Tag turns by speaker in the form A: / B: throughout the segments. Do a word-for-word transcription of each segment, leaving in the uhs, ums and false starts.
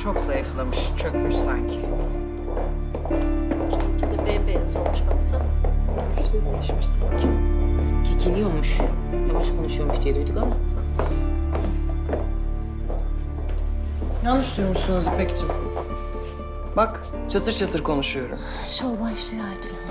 A: Çok zayıflamış, çökmüş sanki.
B: Rengi de bembeyaz olmuş baksana.
C: İşte değişmiş sanki.
D: Kekeliyormuş. Yavaş konuşuyormuş diye duyduk ama.
C: Yanlış duymuşsunuz İpek'ciğim. Bak çatır çatır konuşuyorum.
B: Şov başlıyor Aytül Hanım.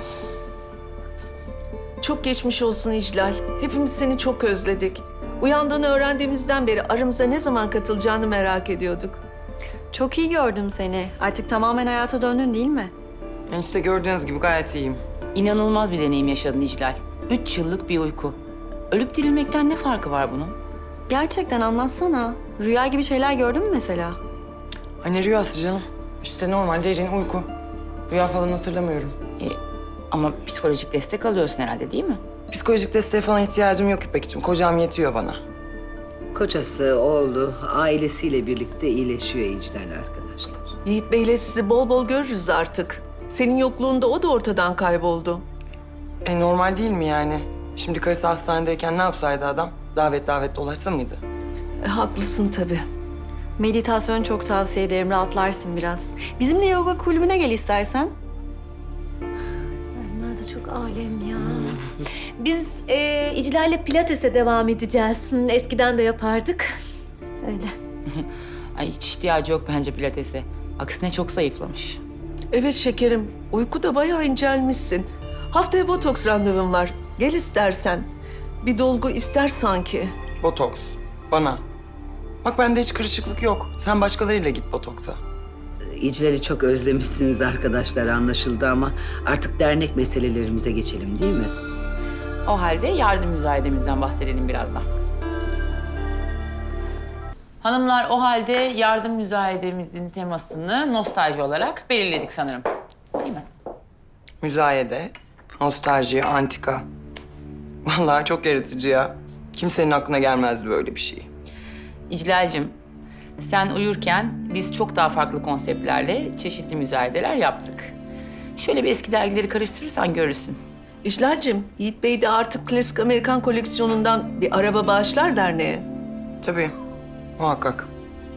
E: Çok geçmiş olsun İclal. Hepimiz seni çok özledik. Uyandığını öğrendiğimizden beri aramıza ne zaman katılacağını merak ediyorduk.
F: Çok iyi gördüm seni. Artık tamamen hayata döndün değil mi?
C: İşte gördüğünüz gibi gayet iyiyim.
D: İnanılmaz bir deneyim yaşadın İclal. Üç yıllık bir uyku. Ölüp dirilmekten ne farkı var bunun?
F: Gerçekten anlatsana. Rüya gibi şeyler gördün mü mesela?
C: Hani rüyası canım. İşte normal derin uyku. Rüya falan hatırlamıyorum.
D: E, ama psikolojik destek alıyorsun herhalde değil mi?
C: Psikolojik desteğe falan ihtiyacım yok İpek'ciğim. Kocam yetiyor bana.
G: Kocası, oğlu, ailesiyle birlikte iyileşiyor İclal arkadaşlar.
E: Yiğit Bey'le sizi bol bol görürüz artık. Senin yokluğunda o da ortadan kayboldu.
C: E normal değil mi yani? Şimdi karısı hastanedeyken ne yapsaydı adam? Davet davet dolaşsa mıydı?
E: E, haklısın tabii.
F: Meditasyonu çok tavsiye ederim. Rahatlarsın biraz. Bizimle yoga kulübüne gel istersen.
B: Bunlar da çok alem ya. Biz e, İclal'le pilatese devam edeceğiz. Hı, eskiden de yapardık. Öyle.
D: Ay hiç ihtiyacı yok bence pilatese. Aksine çok zayıflamış.
E: Evet şekerim, uykuda bayağı incelmişsin. Haftaya botoks randevum var. Gel istersen. Bir dolgu ister sanki.
C: Botoks. Bana. Bak bende hiç kırışıklık yok. Sen başkalarıyla git botoksa.
G: İclal'i çok özlemişsiniz arkadaşlar anlaşıldı ama artık dernek meselelerimize geçelim değil mi?
D: O halde yardım müzayedemizden bahsedelim birazdan. Hanımlar o halde yardım müzayedemizin temasını nostalji olarak belirledik sanırım. Değil mi?
C: Müzayede, nostalji, antika. Vallahi çok yaratıcı ya. Kimsenin aklına gelmezdi böyle bir şey.
D: İclal'cim, sen uyurken biz çok daha farklı konseptlerle çeşitli müzayedeler yaptık. Şöyle bir eski dergileri karıştırırsan görürsün.
E: İclal'cim, Yiğit Bey de artık klasik Amerikan koleksiyonundan bir araba bağışlar derneğe.
C: Tabii, muhakkak.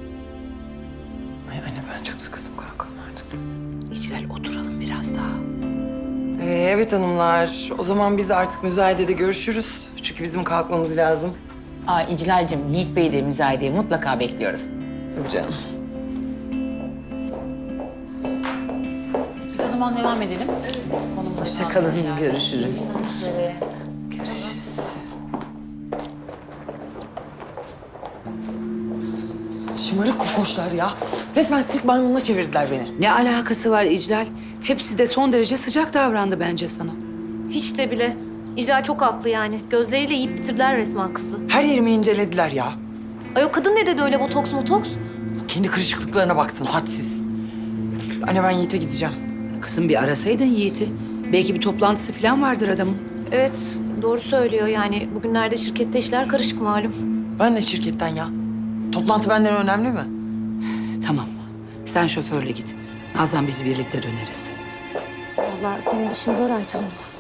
C: Ay anne ben çok sıkıldım, kalkalım artık.
G: İclal oturalım biraz daha.
C: Ee, evet hanımlar, o zaman biz artık müzayedede görüşürüz. Çünkü bizim kalkmamız lazım.
D: Aa İclal'cim, Yiğit Bey'i de müzayedeye mutlaka bekliyoruz.
C: Tabii canım.
D: Biz o zaman devam edelim. Konumuz
G: Hoşça kalın, görüşürüz.
C: Şımarık kokoşlar ya. Resmen sirk maymununa çevirdiler beni.
G: Ne alakası var İclal? Hepsi de son derece sıcak davrandı bence sana.
B: Hiç de bile. İclal çok haklı yani. Gözleriyle yiyip bitirdiler resmen kızı.
C: Her yerimi incelediler ya.
B: Ay o kadın ne dedi öyle botoks motoks?
C: Kendi kırışıklıklarına baksın, hadsiz. Anne ben Yiğit'e gideceğim.
G: Kızım bir arasaydın Yiğit'i. Belki bir toplantısı falan vardır adamın.
B: Evet doğru söylüyor yani. Bugünlerde şirkette işler karışık malum.
C: Ben de şirketten ya. Toplantı benden önemli mi?
G: Tamam. Sen şoförle git. Nazan biz birlikte döneriz.
B: Vallahi senin işin zor Aytül Hanım.